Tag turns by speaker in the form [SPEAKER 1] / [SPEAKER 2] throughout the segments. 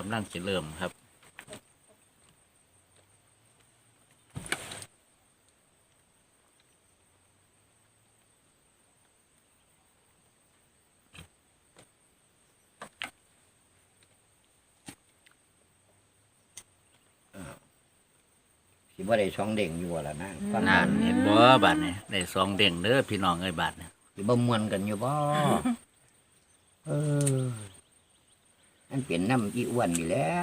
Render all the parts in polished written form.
[SPEAKER 1] ำลังจะเริ่มครับ
[SPEAKER 2] สิบ่ได้ช่องเด้งอยู่ว่าล่ะนะฟัง
[SPEAKER 1] นานเห็นบ่บาทนี่ได้สองเด้งเด้อพี่น้องเอ้ยบาทนี่
[SPEAKER 2] สิบ่ม่วนกันอยู่บ่ เอออันเป็นน้ำอีอ้วนอยู่แล้ว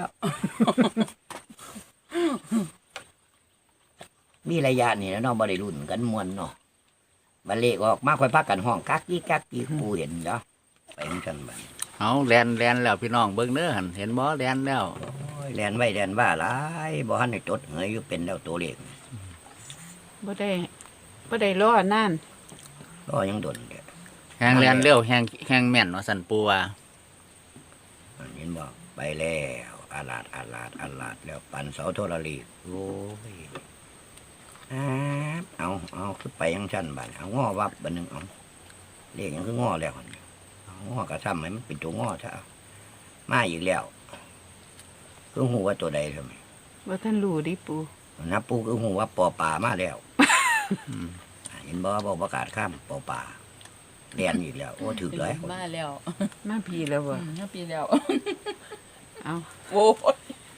[SPEAKER 2] มีระยะนี่แล้วเนาะบ่ได้รุ่นกันม่วนเนาะบัดเลขออกมาค่อยพักกันห้องกักกี้กูเห็นเนาะไปเหมือนกันบัด
[SPEAKER 1] เอาแลนแล้วพี่น้องเบิ่งเด้อหันเห็นบ่แลนแล้ว
[SPEAKER 2] โอ้ยแล่นไว้แล่นว่าหลายบ่ทันได้จดเหยอยู่เป็นแล้วตัวเลข
[SPEAKER 3] บ่ได้รอนั่น
[SPEAKER 2] รอยังดนเด้อ
[SPEAKER 1] แฮงแลนเร็วแฮงแม่นว่าสั่นปูว่า
[SPEAKER 2] เห็นบ่ไปแล้วอาลาดแล้วปันเสาโทรลีโอ้ยเอาคือไปยังชั้นบัดเอาง้อวับบัดนึงเอาเลขยังคืองอแล้วหั่นเอางอกระทำให้มันเป็นตัวงอซะเอามาอีกแล้วคือหูว่าตัวใดทำไม
[SPEAKER 3] บ่ท่านรู้ดิปู
[SPEAKER 2] นับปูคือหูว่าปอป่ามาแล้ว
[SPEAKER 1] อืม
[SPEAKER 2] เห็นบ่บอกประกาศข้ามปอป่าเรียนอีกแล้วโอ้ถึกเลย
[SPEAKER 4] มาแล้ว
[SPEAKER 3] มาพี่แล้วบ่
[SPEAKER 4] 5 ปีแล้ว
[SPEAKER 3] เอา
[SPEAKER 4] โอ้ย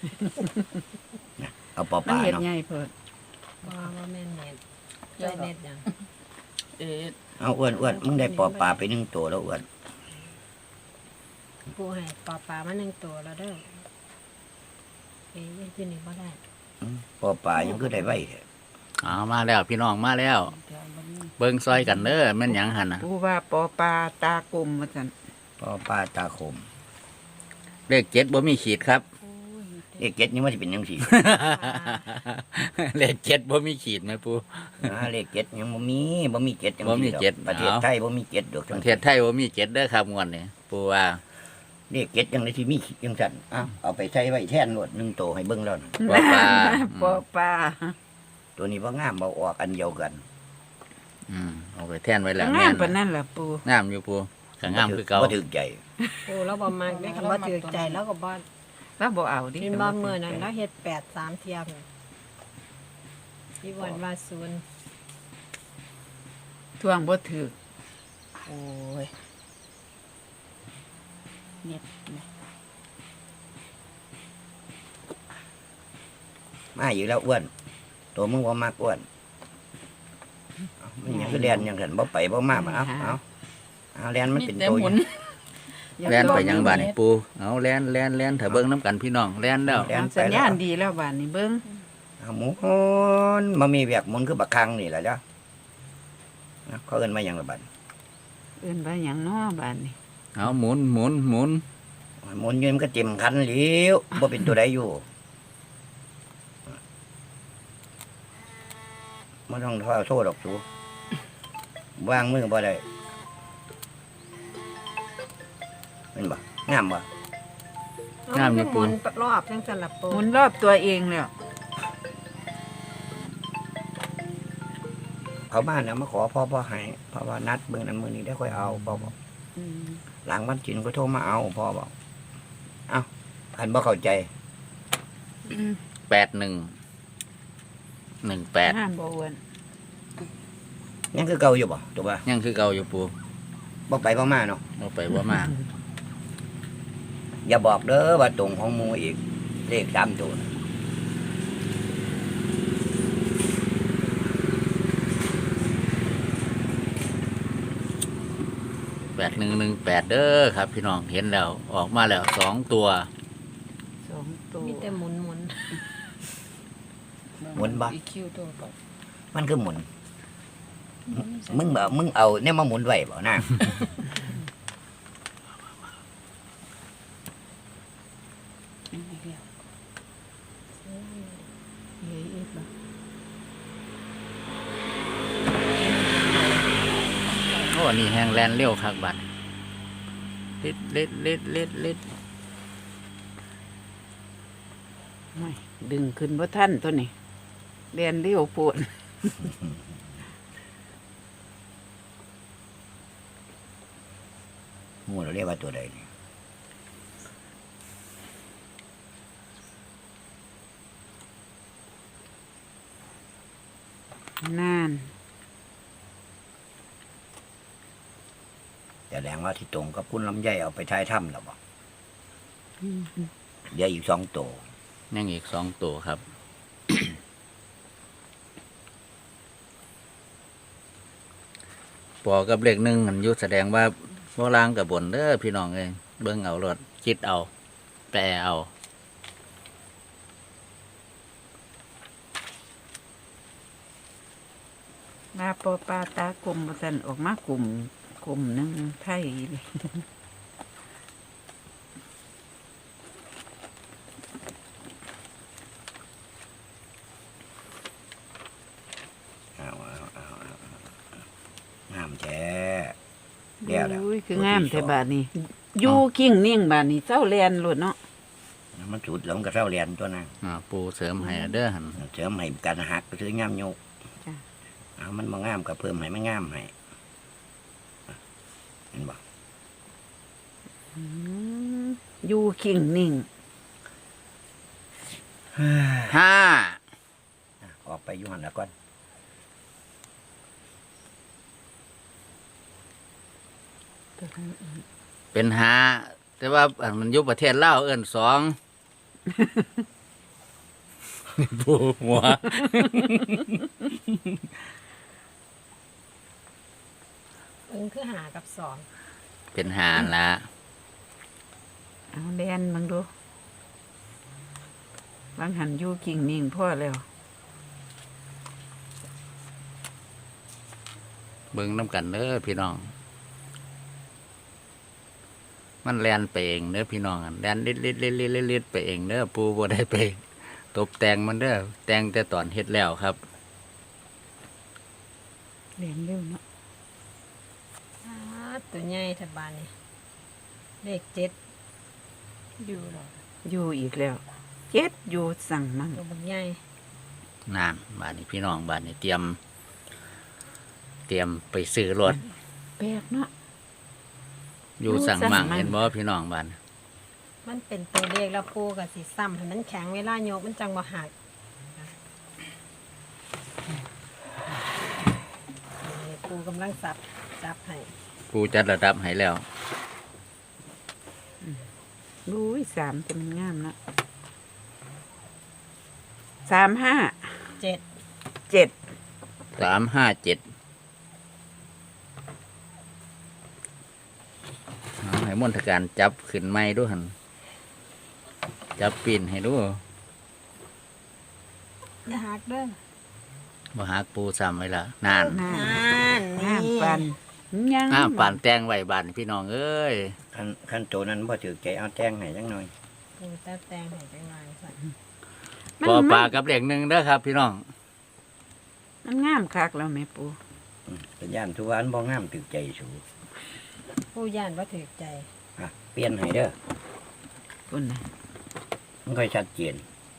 [SPEAKER 2] เอาปอ
[SPEAKER 3] มัน
[SPEAKER 2] ป่า
[SPEAKER 3] เฮ็ด
[SPEAKER 2] เนาะ
[SPEAKER 3] ใหญ่เพิ่น
[SPEAKER 5] ว่าแม่นเน็ตได้เน็ตยัง
[SPEAKER 4] เอ๊ะ
[SPEAKER 2] เอาอ้วนมึงได้ปอป่าไป1ตัวแล้วอ้วน
[SPEAKER 5] ผู้ให้ปลาปลามาหนึ่งตัวแล้วเด้อยังขึ้นอีกบ่ได้
[SPEAKER 2] ปอป่ายังคือได้ไว้แท้
[SPEAKER 1] เอามาแล้วพี่น้องมาแล้ว เบิ่งซอยกันเด้อแม่นหยังหั่นน่ะ
[SPEAKER 3] ปูว่าปอปลาตากลมว่าซั่น
[SPEAKER 2] ปอป่าตาคม
[SPEAKER 1] เลข7บ่มีขีดครับ
[SPEAKER 2] เลขเจ็ดนี่มันจะเป็นยังสี่
[SPEAKER 1] เลข7บ่มีขีดไหมปู
[SPEAKER 2] เลขเจ็ดยังบ่มีเจ็ดจัง
[SPEAKER 1] บ่มี
[SPEAKER 2] ซี่ดอก
[SPEAKER 1] เจ็ด
[SPEAKER 2] ประเทศ
[SPEAKER 1] เอา
[SPEAKER 2] ไทยบ่มีเจ็ดดอก
[SPEAKER 1] ประเทศไทยบ่มี7เด้อครับงวดนี้ปูว่า
[SPEAKER 2] เลขเจ็ดยังได้ที่มียังสั่นเอาไปใช้ไว้แท่นรวด1ตัวให้เบิ่งแล้วนะ
[SPEAKER 1] ปอปลา
[SPEAKER 3] ปอปลา
[SPEAKER 2] ตัวนี้บ่งามบ่ออกอันเดียวกัน
[SPEAKER 1] เอาไปแท่นไว้แล้ว
[SPEAKER 3] งา
[SPEAKER 1] แม่
[SPEAKER 3] ม
[SPEAKER 1] น
[SPEAKER 3] ปานนั้นล่ะปู
[SPEAKER 1] งามอยู่ปูก็งามคือเก่า
[SPEAKER 2] บ่ถึกใจ
[SPEAKER 5] โอ้เราบ่มักได้คำว่าถือใจแล้วก็บ่
[SPEAKER 3] แล้วบ่เอาดิ
[SPEAKER 5] เป็นบ่มื้อนั้นแล้วเฮ็ด8 3เทียมที่วันว่าศูนย์
[SPEAKER 3] ทวงบ่ถูก
[SPEAKER 4] โอ้ยเน็ตนะ
[SPEAKER 2] มาอยู่แล้วอ้วนตัวมึงบ่มักอ้วนมันยังคือเรียนยังกันบ่ไปบ่มาเอาเรียนมัน
[SPEAKER 4] มี
[SPEAKER 2] เป็น
[SPEAKER 4] แต่
[SPEAKER 2] ตัว
[SPEAKER 4] หมุน
[SPEAKER 1] แล่นไปยังบ้านนี่ปูเอาแล่นถ้าเบิ่งน้ำกันพี่น้องแล่นแล้ว
[SPEAKER 3] เอาสัญญาณดีแล้วบาดนี้เบิ่ง
[SPEAKER 2] หมุนมามีแวกหมุนคือบักคังนี่แหละจ้ะเขาเอิ้นมาหยังละบัด
[SPEAKER 3] เอิ้นว่าหยังน้อบาดนี้
[SPEAKER 1] เอาหมุนหมุนหมุน
[SPEAKER 2] หมุนอยืนมันก็เต็มคันหลิวบ่เป็นตัวใดอยู่บ่ต้องโทษดอกสูวางมือบ่ได้เป็นบ่งามบ่
[SPEAKER 1] งามอยู่ปู
[SPEAKER 5] รอบจังซั่นล่ะปู
[SPEAKER 3] หมุนรอบตัวเองแล้ว
[SPEAKER 2] เขาบ้านนะมาขอพ่อให้พ่อว่านัดเบิ่งนั้นมื้อนี้ได้ค่อยเอาพ่อบอก
[SPEAKER 3] อืม
[SPEAKER 2] หลังวันจินก็โทรมาเอาพ่อบอกเอ้าคันบ่เข้าใจ
[SPEAKER 1] 81 18
[SPEAKER 3] งามบ่อ้วน
[SPEAKER 2] ยังคือเก่าอยู่บ่ถูกป่ะ
[SPEAKER 1] ยังคือเก่าอยู่ปู
[SPEAKER 2] บ่ไปบ่มาเนาะ
[SPEAKER 1] เอาไปบ่มา
[SPEAKER 2] อย่าบอกเด้อว่าตรงของหมูอีกเลข3ตัวน่ะ
[SPEAKER 1] 8118เด้อครับ พี่น้องเห็นแล้วออกมาแล้ว2ตัว
[SPEAKER 3] สองตัว
[SPEAKER 5] มีแต่หมุน
[SPEAKER 2] หมุนบ่
[SPEAKER 4] อีคิวตัวก่อน
[SPEAKER 2] มันคือหมุน มึงเอาเนี่ยมาหมุนไว้บ่นะ
[SPEAKER 3] เฮ้ยอีกบ่
[SPEAKER 1] โอ้นี่แฮงแลนเร็วคักบัดลิด
[SPEAKER 3] ไม่ดึงขึ้นบ่ทันตัวนี้เรียนเร็วโพด
[SPEAKER 2] หมูเราเรียกว่าตัวใดนี่
[SPEAKER 3] นาน
[SPEAKER 2] แต่แรงว่าที่ตรงกับคุณลำไยเอาไปท้ายถ้ำแล้วบ่
[SPEAKER 3] อืม
[SPEAKER 2] เดี๋ยวอีก2ตัว
[SPEAKER 1] ยังอีก2ตัวครับ ปอกับเลขหนึ่งมันอยู่แสดงว่าบ่ล่างกับบนเด้อพี่น้องเอ้ยเบิ่งเอารถคิดเอา แปลเอา
[SPEAKER 3] มาปอปลาตากลมบ่ซั่นออกมากลุ่มหนึงไทยเลย
[SPEAKER 2] งามแท้เดี๋ยวแล้ว
[SPEAKER 3] อุ้ยคืองามแต่บาดนี้อยู่กิ้งนิ่งบาดนี้เจ้าแลนโลดเนาะ
[SPEAKER 2] มันจุดแล้วมันก็เท่าเรียนตัวนั้น
[SPEAKER 1] ปูเสริมให้เด้อหัน
[SPEAKER 2] เสริมให้การหักก็คืองามโยก
[SPEAKER 3] จ้ะ
[SPEAKER 2] เอามันมางามกับเพิ่มให้มันงามให้เห็นบ่
[SPEAKER 3] อืมอยู่กิ้งนิ่ง
[SPEAKER 1] 5
[SPEAKER 2] ออกไปอยู่หันแล้วก่อน
[SPEAKER 1] เป็น5แต่ว่าอันมันอยู่ประเทศลาวเอิ้น2 ปูหัว
[SPEAKER 5] คือหากับสอง
[SPEAKER 1] เป็นหาละ
[SPEAKER 3] เอาแลนเบิ่งดูบางหันอยู่กิ้งนิ่งพอแล้ว
[SPEAKER 1] เบิ่งน้ำกันเด้อพี่น้อง มันแลนไปเองเด้อพี่น้องอะแลนลิดไปเองเด้อปูบ่ได้ไปตบแต่งมันเด้อแต่งแต่ตอนเฮ็ดแล้วครับ
[SPEAKER 3] แลนเร็วเนาะ
[SPEAKER 5] ตัวใหญ่แถวบ้านนี่เลข7อยู่หรอ
[SPEAKER 3] อยู่อีกแล้วเจ็ดอยู่สั่งมั่ง
[SPEAKER 5] ตัวบักใหญ่
[SPEAKER 1] นานบ้านนี้พี่น้องบ้านนี้เตรียมไปซื้อรถ
[SPEAKER 3] แปลกเนาะ
[SPEAKER 1] อยู่สั่งมั่ง
[SPEAKER 3] อยู่สั่งมั่ง
[SPEAKER 1] เห็นบ่พี่น้องบ้าน
[SPEAKER 5] มันเป็นตัวเลขแล้วปูกับสีซ้ำให้มันแข็งเวลาโยกมันจังบ่หักนี่ปูกำลังจับให้
[SPEAKER 1] ปูจัดระดับให้แล้ว
[SPEAKER 3] อุ้ย3จะมันงามเนาะ3 5
[SPEAKER 5] 7
[SPEAKER 3] 7
[SPEAKER 1] 357เอาให้มนตการจับขึ้นไม้ด้วยหันจับปีนให้ดู
[SPEAKER 5] อย่าหักเด้อ
[SPEAKER 1] บ่หักปูซ้ำไว้ละนาน
[SPEAKER 3] งาม
[SPEAKER 5] นั่น
[SPEAKER 3] งามปันยัง
[SPEAKER 1] ป่านแตงไว้บ้านพี่น้องเอ้ย
[SPEAKER 2] ขั้นตัวนั้นพอถือใจเอาแจ้งให้จังหน่อย
[SPEAKER 5] ปูตาแตงให้จังหวะสั่น
[SPEAKER 3] มัน
[SPEAKER 1] ปอปลากับเหล็กหนึ่งเด้อครับ พี่น้อง
[SPEAKER 3] มันงามคักแล้วแม่ปู
[SPEAKER 2] เป็นย่านทุกวันบ่งามถือใจสู
[SPEAKER 5] ปูย่านว่าถือใจ
[SPEAKER 2] อ่ะเปลี่ยนให้เด้อ
[SPEAKER 3] ปุ่นน่ะ
[SPEAKER 2] มันค่อยชัดเจน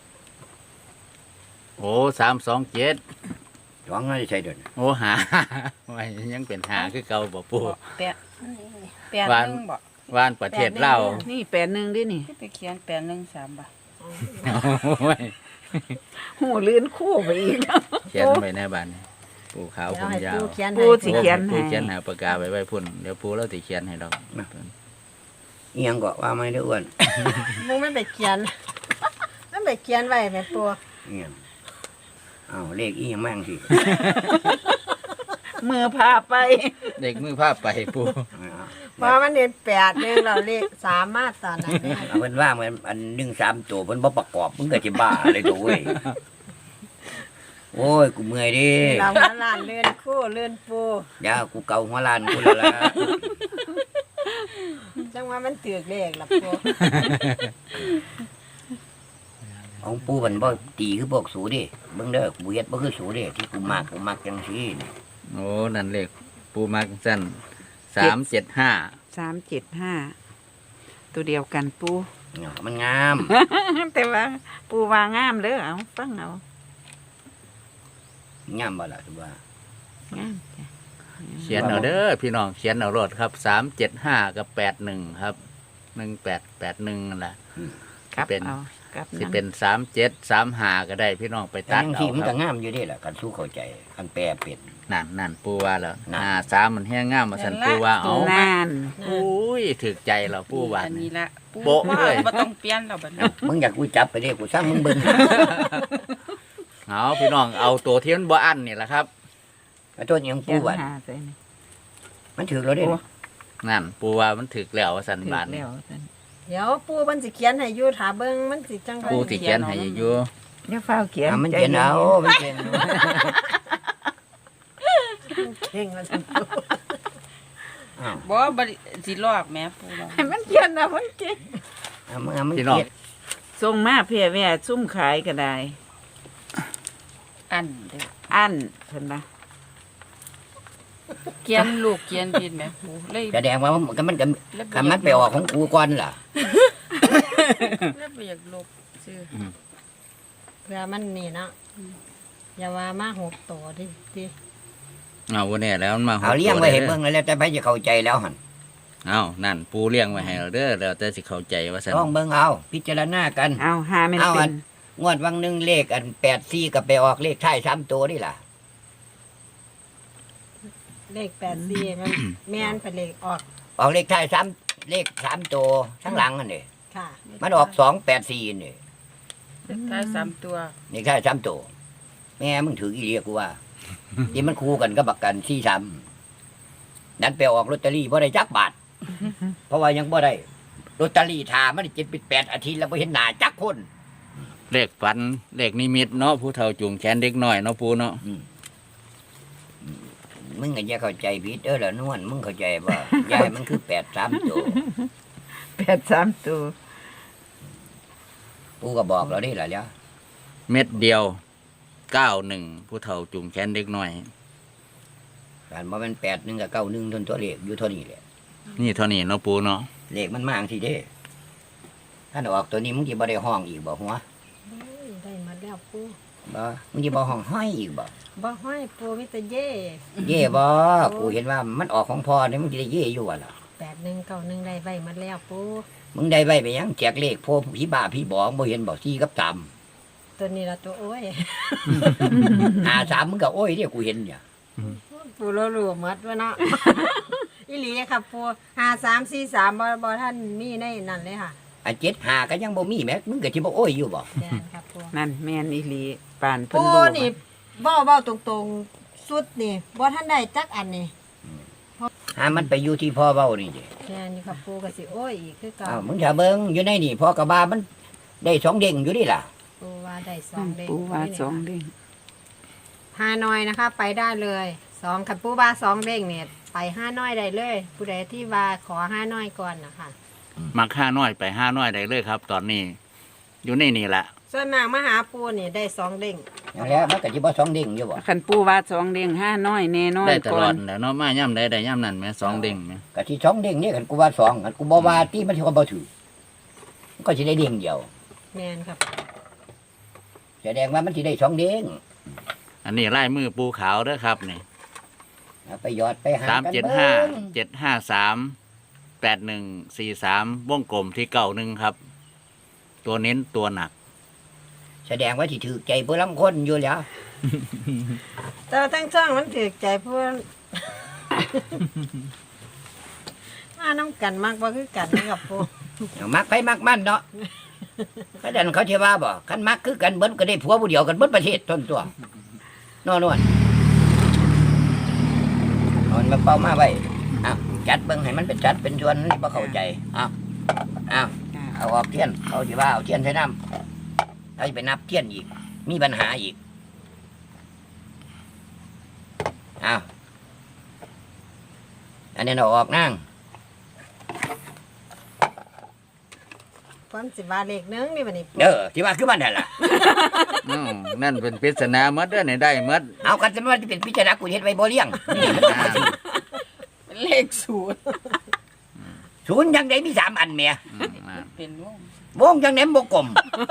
[SPEAKER 1] โอ้327
[SPEAKER 2] ร้องให้ใช่เดิน
[SPEAKER 1] โอ้หา ไว้ยังเป็นหาคือเก่าบ่ปู
[SPEAKER 4] แปด
[SPEAKER 1] วาน
[SPEAKER 4] หนึ่งบ่
[SPEAKER 1] ว่านประเทศลาว
[SPEAKER 3] นี่8 1ดินี่
[SPEAKER 4] ที่ไปเขียน813บ่
[SPEAKER 1] โอ้ย
[SPEAKER 3] หูลื่นคู่ไปอีกแล้ว
[SPEAKER 1] เขียนไว้ในบ้านนี่ปูขาว
[SPEAKER 5] เดี๋
[SPEAKER 1] ผ
[SPEAKER 5] ยว
[SPEAKER 1] ม
[SPEAKER 5] ให้
[SPEAKER 1] ยา
[SPEAKER 5] ปู
[SPEAKER 1] ว
[SPEAKER 5] เขียน
[SPEAKER 3] ปู
[SPEAKER 5] ให้
[SPEAKER 3] สิเขียน
[SPEAKER 1] ปู
[SPEAKER 3] ให้
[SPEAKER 1] เขียนหาปากกาไว้ไว้พุ่นเดี๋ยวปูเราสิเขียนให้ดอก
[SPEAKER 2] เอียงก็ว่าไม่ได้อ้วน
[SPEAKER 5] ปูไม่ไปเขียน ไม่ไปเขียนไว้แม่ปู
[SPEAKER 2] เอียงอ้าวเลขอีหยังแม่งสิ
[SPEAKER 3] มือพาไป
[SPEAKER 1] เด็กมือภาพไปปู
[SPEAKER 5] เพราะมันเรียน8นึงเราเลข3มาตอนนั้นเนี่ย
[SPEAKER 2] เอาเพิ่นว่ามันอัน1 3ตัวเพิ่นบ่ประกอบมึงก็สิบ้าเลยตัวเว้ยโอ้ยกูเมื่อยดิ
[SPEAKER 5] เราหัวล้านเลื่อนคู่เลื่อนปู
[SPEAKER 2] เดี๋ยวกูเกาหัวลานกูแล้วล่ะ
[SPEAKER 5] จังว่ามันถือเลขล่ะปู
[SPEAKER 2] ของปูมันบ่ตีคือพวกสูดิเบิ่งเด้อกูเฮ็ดบ่คือสูดิที่กูมักจังซี่นี่
[SPEAKER 1] โอ้นั่นเลขปูมักสั้น375
[SPEAKER 3] 375ตัวเดียวกันปู
[SPEAKER 2] เนี่ยมันงาม
[SPEAKER 3] แต่ว่าปูว่างามเด้อเอาฟังเอา
[SPEAKER 2] งามบ่ล่ะคือว่า
[SPEAKER 3] งามจ้ะ
[SPEAKER 1] เขียนเอาเด้อพี่น้องเขียนเอารถครับ375กับ81ครับ1881นั่นแหละ
[SPEAKER 3] ครับ
[SPEAKER 1] เป็น
[SPEAKER 3] เอากลับ
[SPEAKER 1] สิ
[SPEAKER 3] นำ
[SPEAKER 1] เป็น3735ก็ได้พี่น้องไป
[SPEAKER 2] แต่
[SPEAKER 1] ตัด
[SPEAKER 2] ยัง
[SPEAKER 1] เอา
[SPEAKER 2] ที่มัน
[SPEAKER 1] ค
[SPEAKER 2] ก็
[SPEAKER 1] รับ
[SPEAKER 2] งามอยู่เด้ล่ะกันสู้เข้าใจกันแปลเป็น
[SPEAKER 1] นั่นปูว่าแล้ว
[SPEAKER 2] นั่น
[SPEAKER 1] 53มันแห้งงามมาสั่นปูว่าเอา
[SPEAKER 3] นาน
[SPEAKER 1] โอ้ยถึกใจเราปูว่า
[SPEAKER 4] อันนี้ละปู
[SPEAKER 1] โบ๊ะ
[SPEAKER 4] ว่า
[SPEAKER 1] เลย
[SPEAKER 4] บ่ต้องเปลี่ยนแล้วบัดนี้
[SPEAKER 2] มึงอยากกูจับไปเด้กูสร้างมึงเบิ่ง
[SPEAKER 1] เอาพี่น้องเอาตัวที่มันบ่อันนี่แหละครับ
[SPEAKER 2] แล้วตัวยัง
[SPEAKER 3] เขี
[SPEAKER 2] ปู
[SPEAKER 3] ยน
[SPEAKER 2] บัด
[SPEAKER 3] หาใส่นี่
[SPEAKER 2] มันถือเราได้
[SPEAKER 3] โอ้
[SPEAKER 1] นั่นปูว่ามันถึกแล้วว่าสัน
[SPEAKER 3] ถึก
[SPEAKER 1] บาน
[SPEAKER 3] แล้วซั่น
[SPEAKER 5] เดี๋ยวปูมันสิเขียนให้อยู่ถาเบิ่งมันสิจังได๋
[SPEAKER 1] ปูที่เขียนให้อยู่
[SPEAKER 3] อย่าฟ้าวเขียน
[SPEAKER 2] มันเขียนเอา
[SPEAKER 3] ใจ
[SPEAKER 2] มันเขียนเอา
[SPEAKER 5] เก่งว่าซั่น
[SPEAKER 2] อ้าว
[SPEAKER 4] บ่บ่สิลอกแม่ปูลอก
[SPEAKER 3] ให้มันเขียนเอามันเก่ง
[SPEAKER 2] เอามัน
[SPEAKER 1] พี่น้อง
[SPEAKER 2] เขียน
[SPEAKER 3] ส่งมาเพียแว่ซุ่มขายก็ได้
[SPEAKER 4] อันเด้อ
[SPEAKER 3] อันเพิ่นว่า
[SPEAKER 4] เขียนลูกเขียนผิดแม่ปูเลย
[SPEAKER 2] แสดงว่ามันก็คำมันไปออกของกูก่อนล่ะ
[SPEAKER 4] เลยบ่อยากลบชื่อ
[SPEAKER 5] เพื่อมันนี่เนาะอย่าว่ามา6ตัวดิติ
[SPEAKER 1] เอาวันนี้แล้วมันมา
[SPEAKER 2] เอาเลี้ยงไว้ให้
[SPEAKER 1] ด้
[SPEAKER 2] เบิ่งแล้วแต่ไปจะเข้าใจแล้วหั่น
[SPEAKER 1] เอานั่นปูเลี้ยงไว้ให้เราเด้อแล้วแต่สิเข้าใจว่าสัน
[SPEAKER 2] ลองเบิ่งเอาพิจารณากัน
[SPEAKER 3] เอาหาแม่น
[SPEAKER 2] เอา
[SPEAKER 3] เป็
[SPEAKER 2] อั
[SPEAKER 3] น
[SPEAKER 2] น งวดวังหนึงเลขอัน84ก็ไปออกเลขท้าย3ตัวนี่ล่ะ
[SPEAKER 5] เลข84มันแม่นเป็นเลขออก
[SPEAKER 2] ออกเลขท้าย3เลข3ตัวข้างหลังอันนี้
[SPEAKER 5] ค่ะ
[SPEAKER 2] มันออก284นี่
[SPEAKER 4] ท้าย3ตัว
[SPEAKER 2] เลขท้าย3ตัวแม่มึงถืออีเลียกูว่า ที่มันคู่กันกับบักกัน43นั้นไปออกลอตเตอรี่บ่ได้จักบาท เพราะว่ายังบ่ได้ลอตเตอรี่ทามัน7เป็น8อาทิตย์แล้วบ่เห็นหน้าจักคน
[SPEAKER 1] เลขฝันเลขนิมิตเนาะผู้เฒ่าจูงแขนเด็กน้อยเนาะปูเนาะ
[SPEAKER 2] มึงก็อย่าเข้าใจผิดเด้อล่ะนวลมึงเข้าใจบ่ ยายมันคือ83ตัว
[SPEAKER 3] 83ตัว
[SPEAKER 2] กูก็บอกแล้วนี่ล่ะแล้ว
[SPEAKER 1] เม็ดเดียว91ผู้เฒ่าจูงแขนเด็กน้อย
[SPEAKER 2] การบ่แม่น81กับ91ทนตัวเลขอยู่เท่านี้แหละ
[SPEAKER 1] นี่เท่านี้เนาะปูเนาะ
[SPEAKER 2] เลขมันมาจังซี่เด้ถ้าออกตัวนี้มึงสิบ่ได้ห้องอีกบ่หัว
[SPEAKER 5] โอ้ยได้หมาแล้วปู
[SPEAKER 2] บ่มึงสิบ่ห้องห้อยอีกบ่
[SPEAKER 5] บ่ห้อยปูมีแต่เย่
[SPEAKER 2] เย่บ่กูเห็นว่ามันออกของพ่อนี่มึงสิได้เย่อยู่ว่ะล่ะ
[SPEAKER 5] 8191ได้ไว้หมาแล้วปู
[SPEAKER 2] มึงได้ไว้ไปยังแจกเลขพวกผีบ้าผีบองบ่เห็นบ่4กับ3
[SPEAKER 5] ตัวนี้ละตัวโอ้ย
[SPEAKER 2] 53มึงก็โอ้ยเด้กูเห็นเนี่ย
[SPEAKER 5] ปูรู้หมดว่าเนาะ อีหลีครับปู5343บ่ท่านมีในนั่นเลยค่ะ
[SPEAKER 2] อัน75ก็ยังบ่มีแม้มึงก็สิบ่โอ้ยอยู่บ่
[SPEAKER 5] แม่นครับปู
[SPEAKER 3] นั่นแม่นอีหลีปานเพิ่น
[SPEAKER 5] ปู
[SPEAKER 3] รู้
[SPEAKER 5] นี่เว้าตรงๆสุดนี่บ่ท่านได้จักอันนี่
[SPEAKER 2] หามันไปอยู่ที่พ่อเว้านี่เด้
[SPEAKER 5] แม่นอยู่ครับปูก็สิโอ้ยอีกคือเก่า
[SPEAKER 2] อ้าวมึงถ้าเบิ่งอยู่ในนี่พ่อกะบามันได้2เด้งอยู่ดิล่ะ
[SPEAKER 5] ปูว่าได้2เด้ง
[SPEAKER 3] ปูว่าสองเด้ง
[SPEAKER 5] ฮานอยนะคะ ไปได้เลย2คันปูว่า2เด้งเนี่ยไปฮานอยได้เลย ผู้ใดที่ว่าขอฮานอยก่อนนะคะ
[SPEAKER 1] มัก5น้อยไป5น้อยได้เลยครับ ตอนนี้ อยู่ในนี่แหละ
[SPEAKER 5] ส่วนมากมาหาปูนี่ได้2เด้ง
[SPEAKER 2] อย่างแล้วมันก็สิบ่2เด้งอยู่บ่
[SPEAKER 3] คันปูว่าสองเด้งห้าน้อยแน่น้อย
[SPEAKER 1] ได้ต
[SPEAKER 3] ก่
[SPEAKER 1] ล
[SPEAKER 3] อ
[SPEAKER 1] อด
[SPEAKER 3] น
[SPEAKER 1] แหล้วเนาะมาย่ำได้ย่ำนั่นแหม่2เด้งแหม่
[SPEAKER 2] ก็ที่2เด้งนี่คันกูว่า2คันกูบ่ว่าที่มันสิก็บ่ถือมันก็สิได้เด้งเดียว
[SPEAKER 5] แม่นครับ
[SPEAKER 2] แสดงว่ามันสิได้2เด้ง
[SPEAKER 1] อันนี้ลายมือปูขาวเด้อครับนี่
[SPEAKER 2] เอาไปหยอดไปหา
[SPEAKER 1] สาม
[SPEAKER 2] กัน
[SPEAKER 1] เจ็ด
[SPEAKER 2] เบิ่
[SPEAKER 1] ห้าง 7538143วงกลมที่91ครับ ตัวเน้นตัวหนัก
[SPEAKER 2] แสดงว่าสิถือใจผู้ลางคนอยู่แล้ว
[SPEAKER 5] แต่ว่าทั้งช่องมันถือใจผู้ มาน้ำกันมากบ่คือกันนะครับปู
[SPEAKER 2] มักไปมักมันเนาะก็ดันเขาสิว่าบ่คันมักคือกันเบิดก็ได้ผัวผู้เดียวกันเบิดประเทศทนตัวนอนเอามาเป่ามาไว้อ้าวจัดเบิ่งให้มันเป็นจัดเป็นชวนนี่บ่เข้าใจอ้าวเอาออกเทียนเขาสิว่าเอาเทียนใส่น้ำเขาสิไปนับเทียนอีก มีปัญหาอีกอ้าวอันนี้เราออกนั่ง
[SPEAKER 5] ความสิว่าเลขหนึงนี่บัดนี้ปู
[SPEAKER 2] เด้อที่ว่าคือมันนั่นล่ะ
[SPEAKER 1] อ้าวนั่นเป็นปริศนาหมดเด้อนี่ได้หมด
[SPEAKER 2] เอากันสมมติว่าเป็นพิจารณากูเฮ็ดไว้บ่เลี้ยงนี่มันเป็น
[SPEAKER 4] เป็นเลขศูนย์
[SPEAKER 2] ศูนย์ยังไดมี3อันแหม่
[SPEAKER 4] เป็นวง
[SPEAKER 2] วงยังไดบ่กลม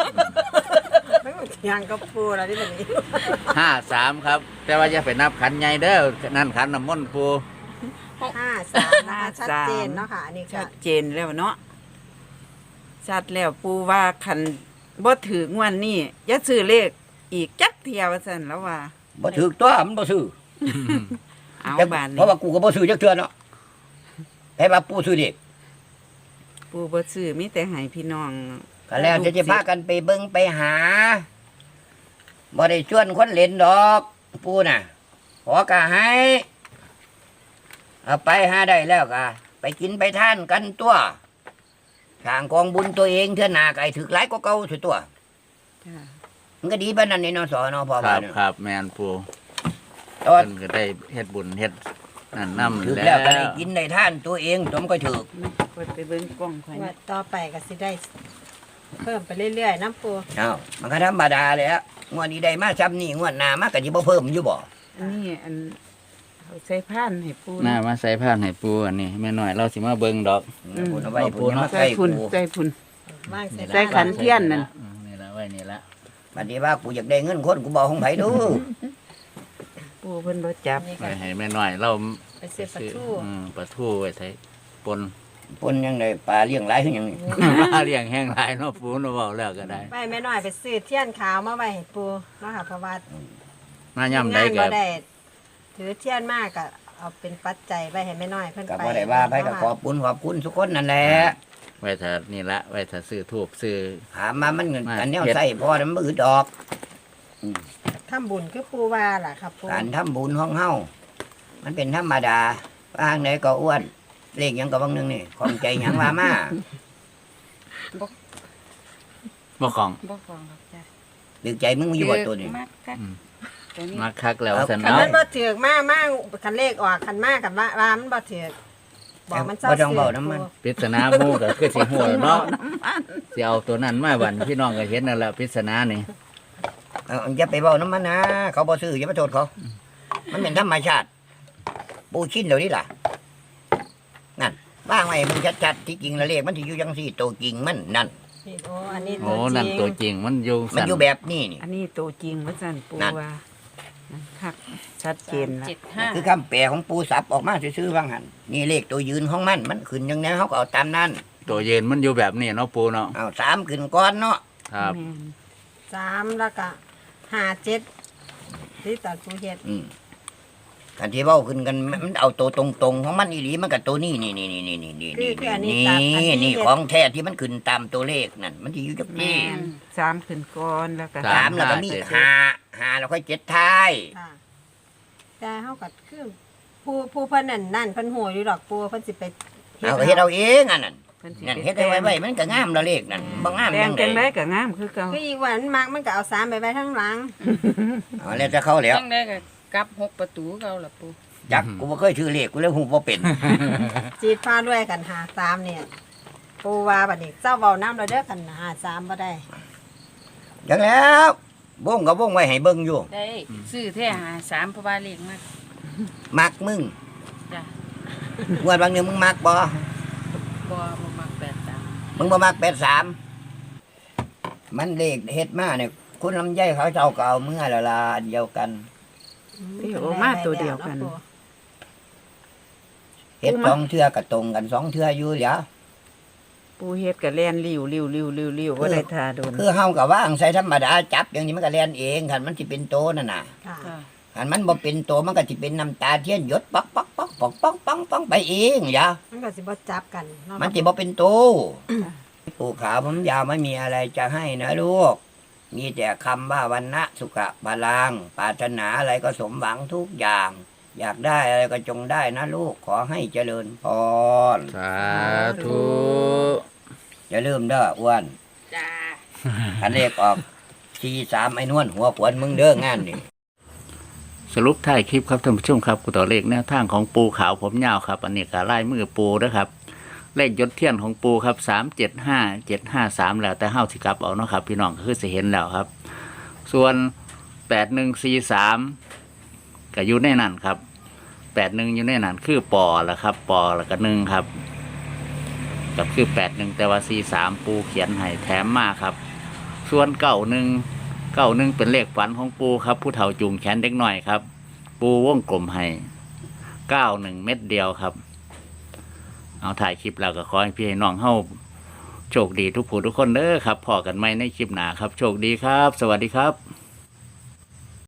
[SPEAKER 5] ยังกับปูแล้วที่บัดนี้
[SPEAKER 1] 53ครับ แต่ว่าอย่าไปนับขันใหญ่เด้อนั่นขันน้ำมนต์ปู
[SPEAKER 5] 53นะคะชัดเจนเนาะค่ะอันนี้
[SPEAKER 3] ชั
[SPEAKER 5] ก็
[SPEAKER 3] ดเจนแล้วเนาะชัดแล้วปูว่าคันบ่ถืองวดนี้อย่าซื้อเลขอีกจักเที่ยวว่าซั่นแล้วว่า
[SPEAKER 2] บ่ถูกตัวมันบ่ซื้อ
[SPEAKER 3] เอา
[SPEAKER 2] แต่
[SPEAKER 3] บาน
[SPEAKER 2] เพ
[SPEAKER 3] นี้
[SPEAKER 2] ราะว่ากูก็บ่ซื้อจักเทื่อเนาะให้ว่าปู่ซื้อเด็ก
[SPEAKER 3] ปู่บ่ซื้อมีแต่ให้พี่น้อง
[SPEAKER 2] ก็แล้วจะพากันไปเบิ่งไปหาบ่ได้ชวนคนเล่นดอกปู่น่ะขอกะให้เอาไปหาได้แล้วก็ไปกินไปทานกันตัวสร้างกองบุญตัวเองเทื่อหน้าก็ให้ถึกหลายกว่าเก่าสิตัว
[SPEAKER 3] จ้า
[SPEAKER 2] มันก็ดีปานนั้นนี่เนาะสอเนาะพ่อ
[SPEAKER 1] ค
[SPEAKER 2] ว่า
[SPEAKER 1] รับ
[SPEAKER 2] เนาะ
[SPEAKER 1] ครับแมนปู
[SPEAKER 2] ตอน
[SPEAKER 1] เพิ่นก็ได้เฮ็ดบุญเฮ็ดนั่นนำ
[SPEAKER 2] ถึก
[SPEAKER 1] แล้
[SPEAKER 2] แล้ว
[SPEAKER 1] ว
[SPEAKER 2] ก็ได้กินได้ทานตัวเองตัวมันก็ถึก
[SPEAKER 3] กดไปเบิ่งกล้องข่อย
[SPEAKER 5] ว่า
[SPEAKER 3] นะ
[SPEAKER 5] ต่อไปก็สิได้ เพิ่มไปเรื่อยๆน้ำปู
[SPEAKER 2] เอ้ามันก็ธรรมดาแหล้วงวดนี้ได้มาซ้ำนี่งวดหน้ามาก็สิบ่เพิ่มอยู่บ่
[SPEAKER 3] อันนี้อันเอาใส่พานให้ปู่
[SPEAKER 1] หน้ามาใส่ผ้าให้ปูอันนี้แม่น้อยเราสิมาเบิ่งดอก
[SPEAKER 2] พูดเอาไว้
[SPEAKER 1] เอา
[SPEAKER 2] พูดมา
[SPEAKER 3] ใส่
[SPEAKER 2] ใกล้
[SPEAKER 3] พุ่น
[SPEAKER 2] กู
[SPEAKER 3] ใส่พุ่น
[SPEAKER 5] ว่าง
[SPEAKER 3] ใส่ขัน เทียนั่น
[SPEAKER 1] นี่ละไว้นี่ละ
[SPEAKER 2] บัดนี้ว่ากูอยากได้เงินคนกูบอกของไผดู
[SPEAKER 3] ปู่เพิ่นบ่จับ
[SPEAKER 5] นี่
[SPEAKER 1] ไว้
[SPEAKER 5] ก็
[SPEAKER 1] ให้แม่น้อยเรา
[SPEAKER 5] ไปซื้อปลาทู
[SPEAKER 1] ปลาทูไว้ใส่ปน
[SPEAKER 2] ปนยังไงปลาเลี้ยงหลายคือหยังนี่
[SPEAKER 1] มาเลี้ยงแห้งหลายเนาะปูเนาะเว้าแล้วก็ได้
[SPEAKER 5] ไปแม่น้อยไปซื้อเทียนขาวมาไว้ให้ปูเนาะค่ะเพราะว่า
[SPEAKER 1] มาย่ำใด
[SPEAKER 5] งาน
[SPEAKER 1] ก็
[SPEAKER 5] บ่ได้ถือเทียนมากก็เอาเป็นปัจจัยไว้ให้แม่น้อยเพิ่น
[SPEAKER 2] ก็
[SPEAKER 5] ไป
[SPEAKER 2] บ่ได้ว่าไผก็ขอบคุณทุกคนนั่นแหละ
[SPEAKER 1] ไว้ถ้านี่ละไว้ถ้าซื้อทูบซื้อ
[SPEAKER 2] ถามมามันเงิน
[SPEAKER 1] มา
[SPEAKER 2] อันแนว
[SPEAKER 1] เฮ็ด
[SPEAKER 2] ใส่พอมันบ่อึดดอก
[SPEAKER 5] ทำบุญคือปูว่าล่ะครับปู
[SPEAKER 2] การทำบุญของเฮามันเป็นธรรมดาว่าทางไหนก็อ้วนเลขหยังก็บางนึงนี่ของใจหยังว่ามา
[SPEAKER 1] บ่ของ
[SPEAKER 4] บ่ฟังหรอกจ้ะ
[SPEAKER 2] ดึกใจมึงอยู่บ่ตัวนี้
[SPEAKER 4] มากคักตัวนี้
[SPEAKER 1] มาคักแล้ว
[SPEAKER 2] เอา
[SPEAKER 1] ซั่น
[SPEAKER 5] คัน
[SPEAKER 1] เนาะ
[SPEAKER 5] มันบ่ถือกมากคันเลขออกคันมากกับว่ามันบ่ถือกบอกมันเศร้า
[SPEAKER 2] บ่ต้องเว้าน้ำมัน
[SPEAKER 1] ปริศนาหมู่ก็คือสิฮู้แล้วเนาะสิเอาตัวนั้นมาวันพี่น้องก็เห็นนั่นแหละปริศนานี่
[SPEAKER 2] เอาอย่าไปเว้าน้ำมันนะเขาบ่ซื้ออย่าไปโทษเขา มันเป็นธรรมชาติปูชินเดี๋ยวนี้ล่ะนั่นว่างไว้มึงชัดๆที่จริงแล้วเลขมันสิอยู่จังซี่ตัวจริงมันนั่น
[SPEAKER 5] นี่โอ้อันนี้
[SPEAKER 1] โอ้
[SPEAKER 5] ตัวจ
[SPEAKER 1] นั่น
[SPEAKER 5] ริง
[SPEAKER 1] ตัวจริงมันอยู่
[SPEAKER 2] มัน
[SPEAKER 1] สั่น
[SPEAKER 2] อยู่แบบนี้นี่
[SPEAKER 3] อันนี้โตจริงว่าซั่นปู่
[SPEAKER 2] นั่น
[SPEAKER 3] ว่านั่นคักชัดเจนละ
[SPEAKER 4] 375
[SPEAKER 2] คือคำแปลของปูสับออกมาซื่อๆว่างหันนี่เลขตัวยืนของมันขึ้นยังไงเขาก็เอาตามนั้น
[SPEAKER 1] ตัวยืนมันอยู่แบบนี้เนาะปูเนาะ
[SPEAKER 2] เอาสามขึ้นก้อนเนาะ
[SPEAKER 1] ครับ
[SPEAKER 3] แม่น
[SPEAKER 5] 3แล้วก็57ที่ตอนปูเฮ็ด
[SPEAKER 2] กันที่เว้าขึ้นกันมันเอาตัวตรงๆของมันอีหลีมันกับตัวนี้นี่นี่ของแท้ที่มันขึ้นตามตัวเลขนั่นมันที่อยู่จัก
[SPEAKER 3] แม่
[SPEAKER 2] นี่
[SPEAKER 3] นสามขึ้นก่อนแล้วก็
[SPEAKER 2] สามแล้วก็มีห้าแล้วค่อยเจ็ดท้าย
[SPEAKER 5] ค่ะแต่เฮาก็คือผู้เพิ่นนั่นเพิ่นฮู้อยู่ดอกปูเพิ่นสิไป
[SPEAKER 2] เอาก็เฮ็ดเอาเองอันนั้น
[SPEAKER 3] เพิ่นสิ
[SPEAKER 2] นั่น
[SPEAKER 3] ไป
[SPEAKER 2] เฮ็ดไว้มันก็งามแล้วเลขนั่นบ่งาม
[SPEAKER 3] แต่
[SPEAKER 2] ยัง ง
[SPEAKER 3] จัง
[SPEAKER 2] ได
[SPEAKER 3] ไดก็งามคือเก่า
[SPEAKER 5] คืออีกวันมักมันก็เอา3ไปไว้ข้างหลัง
[SPEAKER 2] เอาแล้วจะเข้าแล้ว
[SPEAKER 4] จังได้ก็กลับ6ประตูเก่าล่ะปู
[SPEAKER 2] จักกูบ่เคยชื่อเลขกูเลยฮู้บ่เป็น
[SPEAKER 5] จีดฟ้าด้วยกัน53เนี่ยปูว่าบัดนี้เจ้าเว้าน้ำเราเด้อกัน53บ่ได้
[SPEAKER 2] จังแล้ววงก็วงไว้ให้เบิ่งอยู่
[SPEAKER 4] ได้ซื้อแท้53เพราะว่าเลขมาก
[SPEAKER 2] มักมึง
[SPEAKER 4] จ้ะ
[SPEAKER 2] งวดบางนึงมึงมักบ่
[SPEAKER 4] บ่มัก83
[SPEAKER 2] มึงบ่มัก83มันเลขเฮ็ดมาเนี่ยคุณลำไยเขาเจ้าก็เอาเมื่อละลาอันเดียวกัน
[SPEAKER 3] ที่โอมาตัวเดียวกัน
[SPEAKER 2] เฮ็ดสองเทื่อก็ตรงกันสองเทื่ออยู่เดี๋ยว
[SPEAKER 3] ปู่เฮ็ดก็แล่นริ้วบ่ได้ท่าโดน
[SPEAKER 2] คือเฮาก็ว่างใส่ธรรมดาจับอย่างนี้มันก็แล่นเองคันมันสิเป็นโตนั่นน่ะ
[SPEAKER 5] ค่ะ
[SPEAKER 4] ค่ะ
[SPEAKER 2] คันมันบ่เป็นโตมันก็สิเป็นน้ำตาเทียนหยดป๊อกป๊อกป๊อกป๊อกป๊อกป๊อกป๊อกไปเองอย่า
[SPEAKER 5] มันก็สิบ่จับกันเนาะ
[SPEAKER 2] มันสิบ่เป็นโตปู่ขาวผมยาวไม่มีอะไรจะให้นะลูก มีแต่คำว่าวันนะสุขะบาลังปรารถนาอะไรก็สมหวังทุกอย่าง อยากได้อะไรก็จงได้นะลูกขอให้เจริญพร
[SPEAKER 1] สาธุ
[SPEAKER 2] อย่าลืมเด้ออ้วน
[SPEAKER 4] จ้า
[SPEAKER 2] อันเลขออก43ไอ้นวลหัวขวนมึงเด้องานนี่
[SPEAKER 1] สรุปท้ายคลิปครับท่านผู้ชมครับกูต่อเลขแนวทางของปูขาวผมยาวครับ อันนี้ก็ลายมือปูนะครับ เลขยศเทียนของปูครับ375753แล้วแต่เฮาสิกลับเอาเนาะครับ พี่น้องก็คือสิเห็นแล้วครับ ส่วน8143ก็อยู่ในนั้นครับ81อยู่ในนั้นคือปอละครับปอแล้วก็1ครับก็คือ81แต่ว่า43ปูเขียนให้แถมมาครับ ส่วน91เป็นเลขฝันของปูครับ ผู้เฒ่าจูงแขนเด็กหน่อยครับ ปูวงกลมให้91เม็ดเดียวครับ เอาถ่ายคลิปแล้วก็ขอให้พี่ให้น้องเฮาโชคดีทุกผู้ทุกคนเด้อครับพอกันไหมในคลิปหน้าครับโชคดีครับ สวัสดีครับ